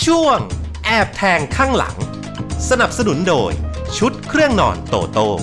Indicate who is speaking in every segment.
Speaker 1: ช่วงแอบแทงข้างหลังสนับสนุนโดยชุดเครื่องนอนโตโต้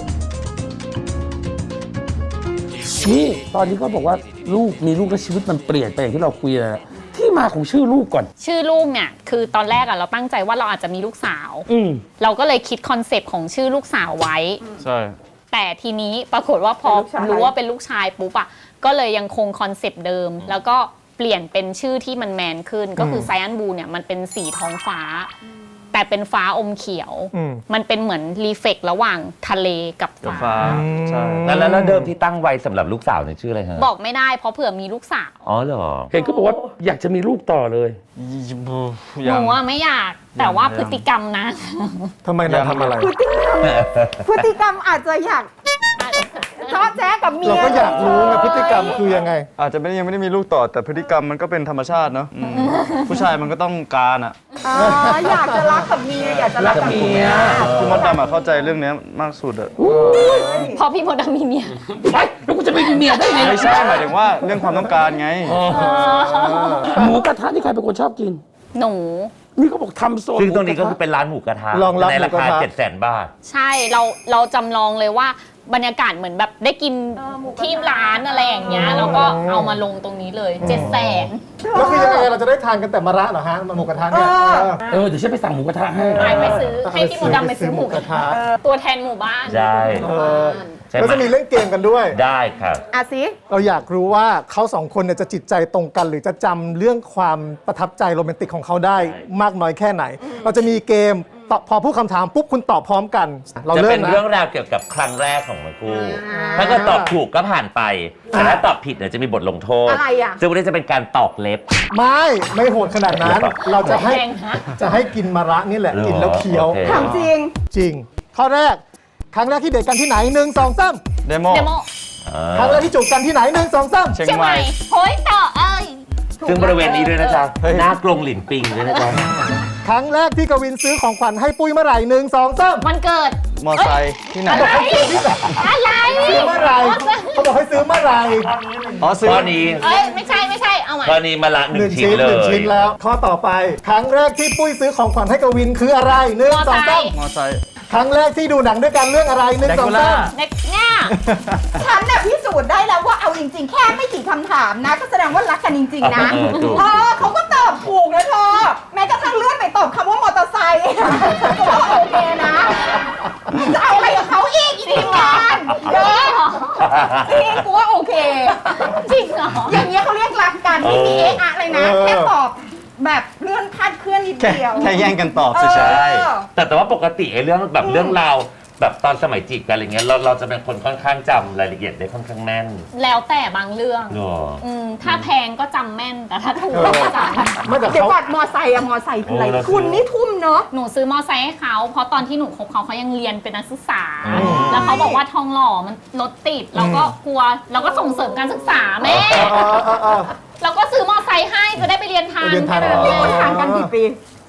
Speaker 2: นี่ตอนนี้เขาบอกว่าลูกมีลูกแล้วชีวิตมันเปลี่ยนไปอย่างที่เราคุยนะที่มาของชื่อลูกก่อน
Speaker 3: ชื่อลูกเนี่ยคือตอนแรกเราตั้งใจว่าเราอาจจะมีลูกสาวเราก็เลยคิดคอนเซปต์ของชื่อลูกสาวไว้
Speaker 4: ใช่
Speaker 3: แต่ทีนี้ปรากฏว่าพอรู้ว่าเป็นลูกชายปุ๊บก็เลยยังคงคอนเซปต์เดิมแล้วก็เปลี่ยนเป็นชื่อที่มันแมนขึ้นก็คือไซแอนบูเนี่ยมันเป็นสีท้องฟ้าแต่เป็นฟ้าอมเขียวมันเป็นเหมือนรีเฟกระหว่างทะเลกับฟ้า
Speaker 4: ใช่
Speaker 5: แล้วเดิมที่ตั้งไว้สำหรับลูกสาวเนี่ยชื่ออะไรฮะ
Speaker 3: บอกไม่ได้เพราะเผื่อมีลูกสาว
Speaker 5: อ๋อเหรอ
Speaker 2: เห็นเขาบอกว่าอยากจะมีลูกต่อเลย
Speaker 3: หนูไม่อยากแต่ว่าพฤติกรรมนะ
Speaker 4: ทำไมนะทำอะไร
Speaker 6: พฤติกรรมอาจจะอยากชอบแจ๊กับเมีย
Speaker 4: เราก็อยากรู้ไงพฤติกรรมคือยังไงอาจจะยังไม่ได้มีลูกต่อแต่พฤติกรรมมันก็เป็นธรรมชาติเนาะผู้ชายมันก็ต้องการอ่ะ
Speaker 6: อยากจะรักกับเมียอยากจะรักกับเมีย
Speaker 4: พี่มดดำเข้าใจเรื่องนี้มากสุดอะ
Speaker 3: พอพี่มดดำมีเมีย
Speaker 2: ไปแล้วกูจะไม่มีเมียได้ไง
Speaker 4: ไม่ใช่หมายถึงว่าเรื่องความต้องการไง
Speaker 2: หมูกระทะที่ใครเป็นคนชอบกิน
Speaker 3: หนู
Speaker 2: นี่เขาบอกทำโซน
Speaker 5: ซึ่งตรงนี้ก็คือเป็นร้านหมูกระทะในราคา700,000 บาท
Speaker 3: ใช่เราจำลองเลยว่าบรรยากาศเหมือนแบบได้กินที่ร้านอะไรอย่างเงี้ยแล้วก็เอามาลงตรงนี้เลย700,000
Speaker 4: แล้วคือยังไงเราจะได้ทานกันแต่มะระเหรอฮะหมูกระทะเนี่ย
Speaker 2: เดี๋ยวฉันไปสั่งหมูกระทะให้
Speaker 3: ไปซื้อให้พี่มดดำไปซื้อหมูกระทะตัวแทนหมู่บ้าน
Speaker 5: ใช่
Speaker 4: แล้วจะมีเล่นเกมกันด้วย
Speaker 5: ได้ครับ
Speaker 6: สิ
Speaker 4: เราอยากรู้ว่าเขาสองคนเนี่ยจะจิตใจตรงกันหรือจะจำเรื่องความประทับใจโรแมนติกของเขาได้มากน้อยแค่ไหนเราจะมีเกมพอพูดคำถามปุ๊บคุณตอบพร้อมกันเรา
Speaker 5: จะ
Speaker 4: เริ่ม
Speaker 5: เป็นเรื่องราวเกี่ยวกับครั้งแรกของทั้งคู่ถ้าเกิดตอบถูกก็ผ่านไปแต่ถ้าตอบผิดเนี่ยจะมีบทลงโทษ
Speaker 6: อะไรอ่ะ
Speaker 5: ซึ่งวันนี้จะเป็นการตอกเล็บ
Speaker 4: ไม่โหดขนาดนั้นเราจะให้กินมะระนี่แหละกินแล้วเคี้ยว
Speaker 6: ถามจริง
Speaker 4: จริงข้อแรกครั้งแรกที่เดทกันที่ไหน1 2 3เดโมครั้งแรกที่จูบกันที่ไหน1 2 3
Speaker 3: เชียงใหม่โฮ้ยต่อ
Speaker 5: ซึ่งบริเวณนี้ด้วยนะจ๊ะหน้ากรงหลินปิงด้วยนะจ๊ะ
Speaker 4: ครั้งแรกที่กวินซื้อของขวัญให้ปุ้ยเมื่อไหร่1 2 3
Speaker 3: วันเกิด
Speaker 4: มอไซค์ที่ไหน
Speaker 3: อะไร
Speaker 4: ซื้อเมื่อไหร่เขาบอกให้ซื้อเมื่อไหร่
Speaker 5: ซื้อข้อนี้
Speaker 3: ไม่ใช่เอาใหม่
Speaker 5: ข้อนี้มาละ1 ชิ้นเลย
Speaker 4: 1 ชิ้นแล้วข้อต่อไปครั้งแรกที่ปุ้ยซื้อของขวัญให้กวินคืออะไร1 2 3มอไซค์ครั้งแรกที่ดูหนังด้วยกันเรื่องอะไร1 2 3
Speaker 3: เนี่ย
Speaker 6: ฉันน่ะพิสูจน์ได้แล้วว่าเอาจริงๆแค่ไม่กี่คำถามนะก็แสดงว่ารักกันจริงๆนะเขาก็ตอบถูกนะเธอแม้กระทั่งเลื่อนไปตอบคำว่ามอเตอร์ไซค์ฉันก็ว่าโอเคนะจะเอาอะไรกับเขาอีกทีมงานจริงกูว่าโอเค
Speaker 3: จริงเหรอ
Speaker 6: อย่างเงี้ยเขาเรียกรักกันไม่มีอะไรนะแค่ตอบแบบเลื่อนคาดเคลื่อนนิดเดียว
Speaker 4: แค่แย่งกันตอบ
Speaker 5: ใช่แต่ว่าปกติเรื่องแบบเรื่องราวแบบตอนสมัยจีบกันอะไรเงี้ยเราจะเป็นคนค่อนข้างจำรายละเอียดได้ค่อนข้างแม่น
Speaker 3: แล้วแต่บางเรื่องถ้าแพงก็จำแม่นแต่ถ้าถูกก็จำ
Speaker 6: เดี๋ยวก่อนมอไซค์คืออะไรคุณนี่ทุ่มเนาะ
Speaker 3: หนูซื้อมอไซค์ให้เขาเพราะตอนที่หนูคบเขายังเรียนเป็นนักศึกษาแล้วเขาบอกว่าทองหล่อมันรถติดเราก็กลัวเราก็ส่งเสริมการศึกษาแม่เราก็ซื้อมอไซค์ให้จะได้ไปเรียนทัน
Speaker 6: นี่คุณห่างกันกี่ปี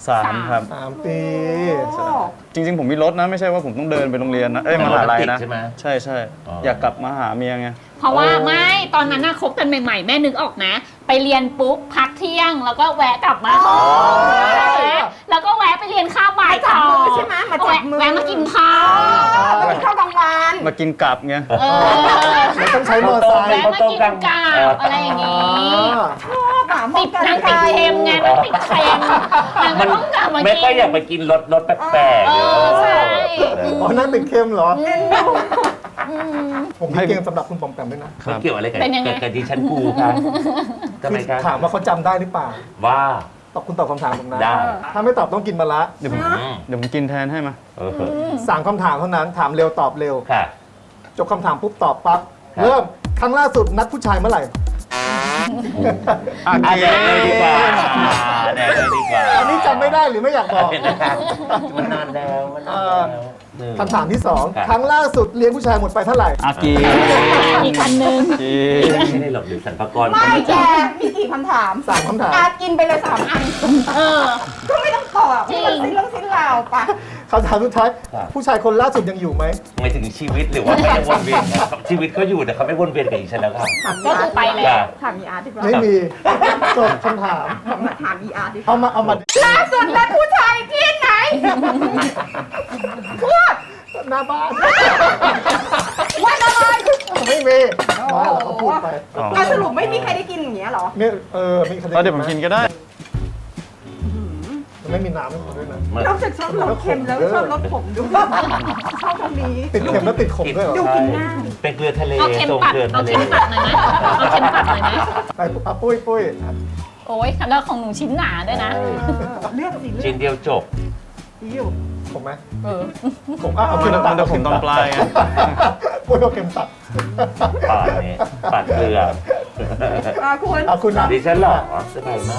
Speaker 4: 3 ครับ3 ปีจริงๆผมมีรถนะไม่ใช่ว่าผมต้องเดินไปโรงเรียนนะมหาลัยนะใช่อยากกลับมาหาเมียไง
Speaker 3: เพราะว่าไม่ตอนนั้นน่ะคบกันใหม่ๆแม่นึกออกนะไปเรียนปุ๊บพักเที่ยงแล้วก็แวะกลับมาแล้วก็แวะไปเรียนข้าวบ่ายต่อ
Speaker 6: ใช่ไหมมาจับมือ
Speaker 3: แวะมากินข้าว
Speaker 6: มากินข้าวกลางวัน
Speaker 4: มากินกลับไงไม่ต้องใช้มอไซค์
Speaker 3: แวะมากินกลับอะไรอย่างงี้
Speaker 6: ชอบ
Speaker 3: ติดนางติดเค็มไงนางติดเค็มนางก็ต้องกลับมากิน
Speaker 5: ไม่ค่อยอยากไปกินรสแปลก
Speaker 3: ๆใช่
Speaker 4: นั่นติดเค็มเหรอผมให้เกมสำหรับคุณปอมแปมด้วยนะ
Speaker 5: เกี่ยวอะไรกับดิฉันกูครับทำไมครับ
Speaker 4: ถามว่าเขาจำได้หรือเปล่า
Speaker 5: ว่า
Speaker 4: คุณตอบคำถามผมนะ
Speaker 5: ได้
Speaker 4: ถ้าไม่ตอบต้องกินมาละเดี๋ยวผมกินแทนให้มา3 คำถามเท่านั้นถามเร็วตอบเร็วจบคำถามปุ๊บตอบปั๊บเริ่มครั้งล่าสุดนัดผู้ชายเมื่อไหร่
Speaker 5: แดกเลยดีกว่า
Speaker 4: อันนี้จำไม่ได้หรือไม่อยากบอก
Speaker 5: มันนานแล้ว
Speaker 4: คำถามที่2ครั้งล่าสุดเลี้ยงผู้ชายหมดไปเท่าไหร่
Speaker 3: อีกอันนึง
Speaker 5: ไม่ได้หลบหรือสรรพากร
Speaker 6: ไม่แกมีกี่คำถาม
Speaker 4: 3 คำถาม
Speaker 6: กินไปเลย3 อันก็ไม่ต้องตอบไม่ต้องสิ้นเรื่องสิ้นราวปะ
Speaker 4: คำถามสุดท้าย
Speaker 5: ครับ
Speaker 4: ผู้ชายคนล่าสุดยังอยู่ไหม
Speaker 5: หมายถึงชีวิตหรือว่าไม่ได้วนเวียนนะครับชีวิตก็อยู่แต่เขาไม่วนเวียนกับอีฉันแล้วครับ
Speaker 3: ก็คือไปแล้ว
Speaker 5: จ้ะ
Speaker 6: ถามอีอาร์ตดีกว่า
Speaker 4: ไม่มีจบคำถาม
Speaker 6: ถามอีอาร์ตดีกว่า
Speaker 4: เอามา
Speaker 6: ล่าสุดแล้วผู้ชายที่ไหน พูด
Speaker 4: หน้าบ้าน
Speaker 6: วันอะไร
Speaker 4: ไม่มีมาเราก็พูดไป
Speaker 6: อ่ะสรุปไม่มีใครได้กินอย่างเงี้ยเหรอ
Speaker 4: เนี่ยมีใคร
Speaker 7: เดี๋ยวผมกินก็ได้
Speaker 4: ไม่มีน้ำให้ผมด้วยนะ
Speaker 6: นอกจากชอบรสเค็มแล้วชอบรสขมด้วยชอบตรงนี้
Speaker 4: ติดเค็มแล้วติดขมด้วยเหรอ
Speaker 6: ดูกินง่าย
Speaker 5: เป็นเกลือทะเล
Speaker 3: เอาเค็ม
Speaker 5: ทรง
Speaker 3: ปัด
Speaker 5: เกลือ
Speaker 3: เอา
Speaker 5: ทะเล
Speaker 3: เค็มปัดหน่อยไหมเอาเค็มปัดหน่อยไหม
Speaker 4: ไปปุ้ย
Speaker 3: โอ้ยแล้วของหนูชิ้นหนาด้วยนะ
Speaker 6: เลือกสิเลื
Speaker 5: ชิ้
Speaker 6: อก
Speaker 5: นเดียวจบ
Speaker 6: อยู่
Speaker 4: ผมไหม
Speaker 3: เออ
Speaker 4: ผมเอาเค็ม
Speaker 7: มัน
Speaker 4: ตัด
Speaker 7: จะขมตอนปลายไง
Speaker 4: ปุ้ยเอาเค็มตัด
Speaker 5: ปาดนี่ปาดเกลือ
Speaker 6: คุณ
Speaker 4: เอาคุณนะ
Speaker 5: ดิฉันเหรอสบายมาก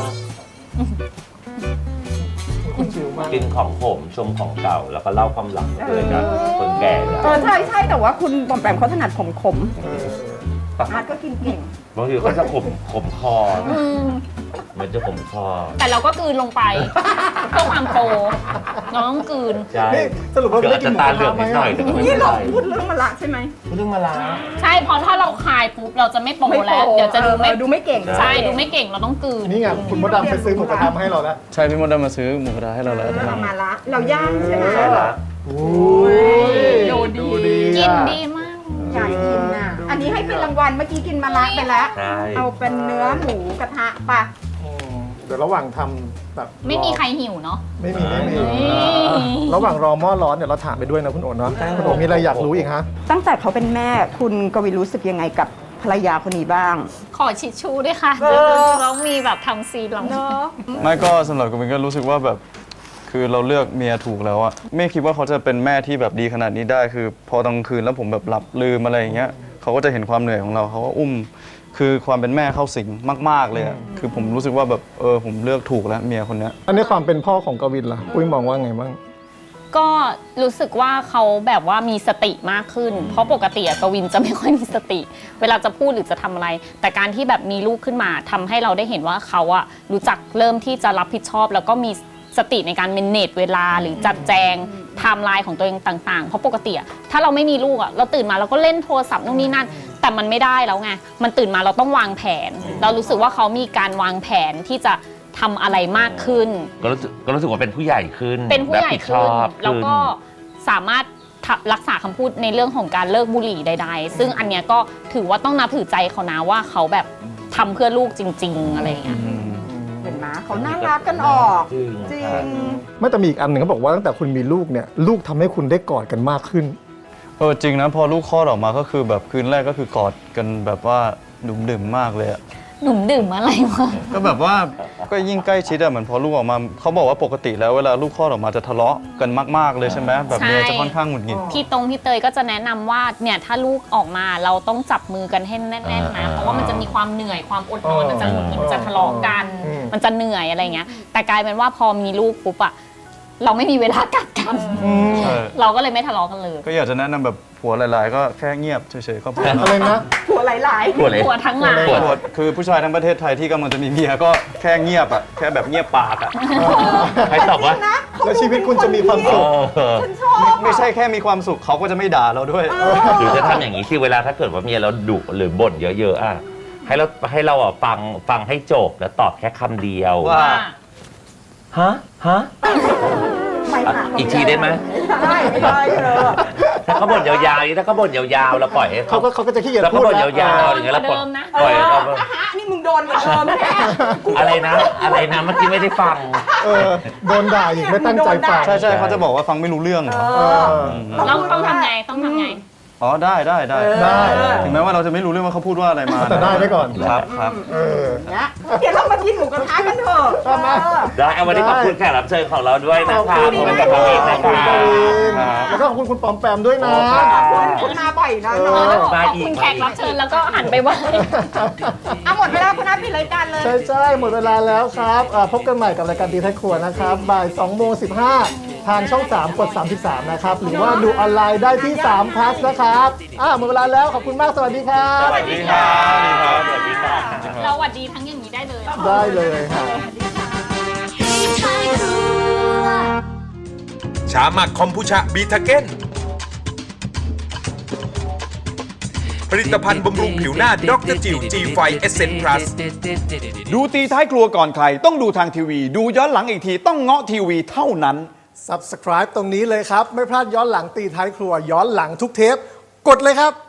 Speaker 4: คุณชิวมาก
Speaker 5: กินของผมชมของเก่าแล้วก็เล่าความหลังเลยกับคนแก่เนี่ย
Speaker 6: ใช่แต่ว่าคุณปอมแปมเขาถนัดขม
Speaker 4: เออ
Speaker 6: อาร์ตก็กินเก่ง
Speaker 5: บางทีเขาจะขมคอมันจะขมคอ
Speaker 3: แต่เราก็กลืนลงไปเพื่อความโปรเราต้องกลืน
Speaker 5: ใช่
Speaker 4: นี่สรุปว่า
Speaker 5: เดี๋ยว
Speaker 4: ไม่
Speaker 5: อาจ
Speaker 4: ได้กิ
Speaker 5: จะ
Speaker 4: นหมู
Speaker 5: ตาก เหลือ
Speaker 4: ระ
Speaker 5: ง
Speaker 4: ทะไหม
Speaker 5: นิดหน่อยแต่ก็ไม่
Speaker 6: นี่
Speaker 5: เป็น
Speaker 6: เรา
Speaker 5: ไร
Speaker 6: พูดเรื่องมะละใช่ไหม
Speaker 5: เรื่องมาลา
Speaker 3: ใช่เพราะถ้าเราคายปุ๊บเราจะไม่โปรแล้ว เดี๋ยวจะดูไม่
Speaker 6: ดูไม่เก่ง
Speaker 3: ใช่ดูไม่เก่งเราต้องกลืน
Speaker 4: นี่ไงคุณมดดำไปซื้อหมูกระทะมาให้เราแล้ว
Speaker 7: ใช่พี่มดดำมาซื้อหมูกระทะให้เราแล้ว
Speaker 6: เรามาละเราย่างใช่ไหม
Speaker 5: ใช่ละ
Speaker 4: โอ้ย
Speaker 6: ดูดี
Speaker 3: กิน
Speaker 4: อะ
Speaker 3: ดีมาก
Speaker 6: อยากกินน่ะ อันนี้ให้เป็นรางวัลเมื่อกี้กินมะละไปแล้ว
Speaker 5: ใช่
Speaker 6: เอาเป็นเนื้อหมูกระทะป่ะ
Speaker 4: อืมเดี๋ยวระหว่างทำแบบ
Speaker 3: ไม่มีใครหิวเนาะ
Speaker 4: ไม่มี
Speaker 3: นี่
Speaker 4: ระหว่างรอหม้อร้อนเดี๋ยวเราถามไปด้วยนะคุณโอ๋เนาะคุณโอ๋มีอะไรอยากรู้อีกฮะ
Speaker 6: ตั้งแต่เขาเป็นแม่คุณกวินรู้สึกยังไงกับภรรยาคนนี้บ้าง
Speaker 3: ขอชิชชูด้วยค่ะเรามีแบบทำซีนเรา
Speaker 6: เนาะ
Speaker 7: ไม่ก็สำหรับกูเป็นก็รู้สึกว่าแบบคือเราเลือกเมียถูกแล้วอะไม่คิดว่าเขาจะเป็นแม่ที่แบบดีขนาดนี้ได้ คือพอตอนกลางคืนแล้วผมแบบหลับลืมอะไรอย่างเงี้ยเขาก็จะเห็นความเหนื่อยของเราเขาก็อุ้ม คือความเป็นแม่เข้าสิงมากๆเลยอะคือผมรู้สึกว่าแบบผมเลือกถูกแล้วเมียคนเนี้ย
Speaker 4: อันนี้ความเป็นพ่อของกวินล่ะปุ้ยมองว่าไงบ้าง
Speaker 3: ก็รู้สึกว่าเขาแบบว่ามีสติมากขึ้น เพราะปกติอะกวินจะไม่ค่อยมีสติ เวลาจะพูดหรือจะทำอะไร แต่การที่แบบมีลูกขึ้นมาทำให้เราได้เห็นว่าเขาอะรู้จักเริ่มที่จะรับผิดชอบ แล้วก็มีสติในการเมนเนจเวลาหรือจัดแจงไทม์ไลน์ของตัวเองต่างๆ เพราะปกติอะถ้าเราไม่มีลูกอะเราตื่นมาเราก็เล่นโทรศัพท์นู่นนี่นั่น แต่มันไม่ได้แล้วไงมันตื่นมาเราต้องวางแผน เรารู้สึกว่าเขามีการวางแผนที่จะทำอะไรมากขึ้น
Speaker 5: ก็รู้สึกว่าเป็นผู้ใหญ่ขึ้น
Speaker 3: เป็นผู้ใหญ่
Speaker 5: รับผิดช
Speaker 3: ขึ้น
Speaker 5: อบ
Speaker 3: แล้วก็สามารถรักษาคำพูดในเรื่องของการเลิกบุหรี่ใดๆ ซึ่งอันเนี้ยก็ถือว่าต้องนับถือใจเขานะว่าเขาแบบทำเพื่อลูกจริง ๆ อะไรอย่างเงี้ย
Speaker 6: เห็นไหมเขาน่ารักกันออก
Speaker 5: จริง
Speaker 6: จริ
Speaker 5: ครับ
Speaker 6: ง
Speaker 4: ไม่แต่มีอีกอันหนึ่งเขาบอกว่าตั้งแต่คุณมีลูกเนี่ยลูกทำให้คุณได้กอดกันมากขึ้น
Speaker 7: จริงนะพอลูกคลอดออกมาก็คือแบบคืนแรกก็คือกอดกันแบบว่าดุมดื่มมากเลยอะ
Speaker 3: หนุ่มดื่มอะไรวะ
Speaker 7: ก็แบบว่าก็ยิ่งใกล้ชิดอะเหมือนพอลูกออกมาเขาบอกว่าปกติแล้วเวลาลูกคลอดออกมาจะทะเลาะกันมากๆเลยใช่ไหมแบบเมียจะค่อนข้างหงุดหงิด
Speaker 3: พี่เตยก็จะแนะนำว่าเนี่ยถ้าลูกออกมาเราต้องจับมือกันให้แน่นๆนะเพราะว่ามันจะมีความเหนื่อยความอดนอนมันจะหงุดหงิดจะทะเลาะกัน มันจะเหนื่อยอะไรเงี้ยแต่กลายเป็นว่าพอมีลูกปุ๊บอะเราไม่มีเวลากัดกัน
Speaker 7: ใช่
Speaker 3: เราก็เลยไม่ทะเลาะกันเลย
Speaker 7: ก็อยากจะแนะนำแบบผัวหลาย ๆ ก็แค่เงียบเฉยๆก็พอ
Speaker 4: อะไรนะ
Speaker 6: ผัวหลาย
Speaker 5: ปวดเลย
Speaker 3: หัวทั้งหลาย
Speaker 5: ปวด
Speaker 7: ผัวคือผู้ชายทั้งประเทศไทยที่กำลังจะมีเมียก็แค่เงียบอะแค่แบบเงียบปากอะ
Speaker 5: ใครตอบว่า
Speaker 6: ๆนะเขา
Speaker 4: แล้ว
Speaker 6: ดู
Speaker 4: ชีวิตคุณจะมีความสุข
Speaker 6: ฉันชอบ
Speaker 7: ไม่ใช่แค่มีความสุขเขาก็จะไม่ด่าเราด้วย
Speaker 5: หรือจะทำอย่างนี้สิเวลาถ้าเกิดว่าเมียเราดุหรือบ่นเยอะๆอ่ะให้เราอ่ะฟังให้จบแล้วตอบแค่คำเดียว
Speaker 7: ว่า
Speaker 5: ฮะฮะ
Speaker 6: ไม่หา
Speaker 5: อีกทีได้ไหม
Speaker 6: ไม่ได้เธอ
Speaker 5: ถ้าเขาบ่นยาวๆถ้าเขาบ่นยาวๆเราปล่อยให้
Speaker 4: เขาก็จะขี้เกียจ
Speaker 5: แล้ว
Speaker 4: พู
Speaker 5: เขา
Speaker 4: ด
Speaker 5: บ่น
Speaker 4: แล้ว
Speaker 5: ยาวๆอย่างเงี้ยแล้วปล่อย
Speaker 3: เดิมนะ
Speaker 5: ปล่อยเขา
Speaker 6: นี่มึงโดนเหมือนเดิมแน่
Speaker 5: อะไรนะเมื่อกี้ไม่ได้ฟัง
Speaker 4: โดนด่าอีกไม่ตั้งใจฟัง
Speaker 7: ใช่เขาจะบอกว่าฟังไม่รู้เรื่องเหรอ
Speaker 3: ต้องทำไงต้องทำไง
Speaker 7: อ๋อได้
Speaker 4: ได้
Speaker 7: ถึงแม้ว่าเราจะไม่รู้เรื่องว่าเขาพูดว่าอะไรมา
Speaker 4: แต่ได้ไว้ก่อน
Speaker 7: ครับ
Speaker 6: นะเดี๋ยวเรามากินหมูกระทะกันเถอะ
Speaker 4: ชอบไหม
Speaker 5: ได้เอาวันนี้ขอบคุณแขกรับเชิญของเราด้วยนะ
Speaker 4: ขอบ
Speaker 5: คะ
Speaker 4: คุณ
Speaker 5: ขอบคุณ
Speaker 4: ค
Speaker 5: กับ
Speaker 4: รั
Speaker 5: พี่
Speaker 4: บ
Speaker 5: นะ
Speaker 4: ขอบคุณ
Speaker 5: คะ
Speaker 4: กวินแล้วก็ขอบคุณคุณปอมแปมด้วยนะ
Speaker 6: ขอบคุณมาบ่อยนะ
Speaker 3: เอ
Speaker 6: เนาะ
Speaker 3: อแล้วบอกขอบคุณแขกรับเชิญแล้วก็หันไปไหว้
Speaker 6: เอาหมดเวลาคุณนัทปิดรายการเลย
Speaker 4: ใช่หมดเวลาแล้วครับพบกันใหม่กับรายการตีท้ายครัวนะครับบ่าย2:15ทางช่อง 3 กด 33 นะครับ หรือว่าดูออนไลน์ได้ที่3 plus นะครับหมดเวลาแล้วขอบคุณมากสวัสดีครับ
Speaker 5: สวัสดีครับสวัสดีครับ
Speaker 3: เราหวัดดีทั้งอย่างนี้ได้เลย
Speaker 4: ได้เลยครับ
Speaker 8: Hey, Tiger. ชาหมักคอมพูชาบีทาเก้นผลิตภัณฑ์บำรุงผิวหน้าดรจิว G5 Essence Plus
Speaker 9: ดูตีท้ายครัวก่อนใครต้องดูทางทีวี ดูย้อนหลังอีกทีต้องเงาะทีวีเท่านั้น
Speaker 4: Subscribe ตรงนี้เลยครับ ไม่พลาดย้อนหลังตีท้ายครัวย้อนหลังทุกเทป กดเลยครับ